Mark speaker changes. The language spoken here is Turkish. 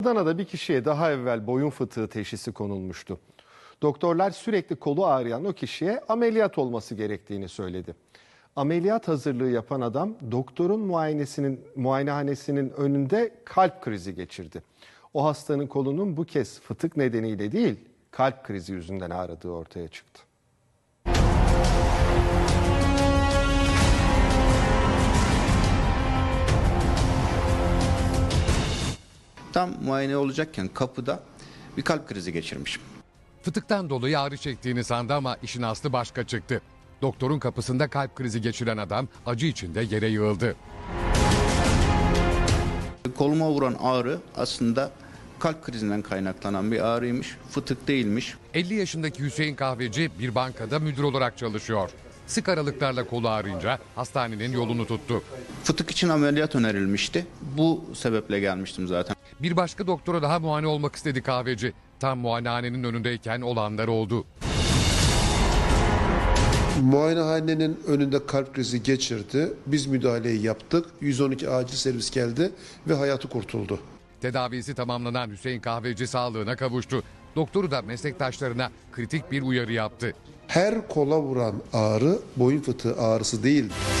Speaker 1: Adana'da bir kişiye daha evvel boyun fıtığı teşhisi konulmuştu. Doktorlar sürekli kolu ağrıyan o kişiye ameliyat olması gerektiğini söyledi. Ameliyat hazırlığı yapan adam doktorun muayenehanesinin önünde kalp krizi geçirdi. O hastanın kolunun bu kez fıtık nedeniyle değil, kalp krizi yüzünden ağrıdığı ortaya çıktı.
Speaker 2: Tam muayene olacakken kapıda bir kalp krizi geçirmişim.
Speaker 3: Fıtıktan dolayı ağrı çektiğini sandı ama işin aslı başka çıktı. Doktorun kapısında kalp krizi geçiren adam acı içinde yere yığıldı.
Speaker 2: Koluma vuran ağrı aslında kalp krizinden kaynaklanan bir ağrıymış, fıtık değilmiş.
Speaker 3: 50 yaşındaki Hüseyin Kahveci bir bankada müdür olarak çalışıyor. Sık aralıklarla kolu ağrıyınca hastanenin yolunu tuttu.
Speaker 2: Fıtık için ameliyat önerilmişti. Bu sebeple gelmiştim zaten.
Speaker 3: Bir başka doktora daha muayene olmak istedi Kahveci. Tam muayenehanenin önündeyken olanlar oldu.
Speaker 4: Muayenehanenin önünde kalp krizi geçirdi. Biz müdahaleyi yaptık. 112 acil servis geldi ve hayatı kurtuldu.
Speaker 3: Tedavisi tamamlanan Hüseyin Kahveci sağlığına kavuştu. Doktoru da meslektaşlarına kritik bir uyarı yaptı.
Speaker 4: Her kola vuran ağrı boyun fıtığı ağrısı değildir.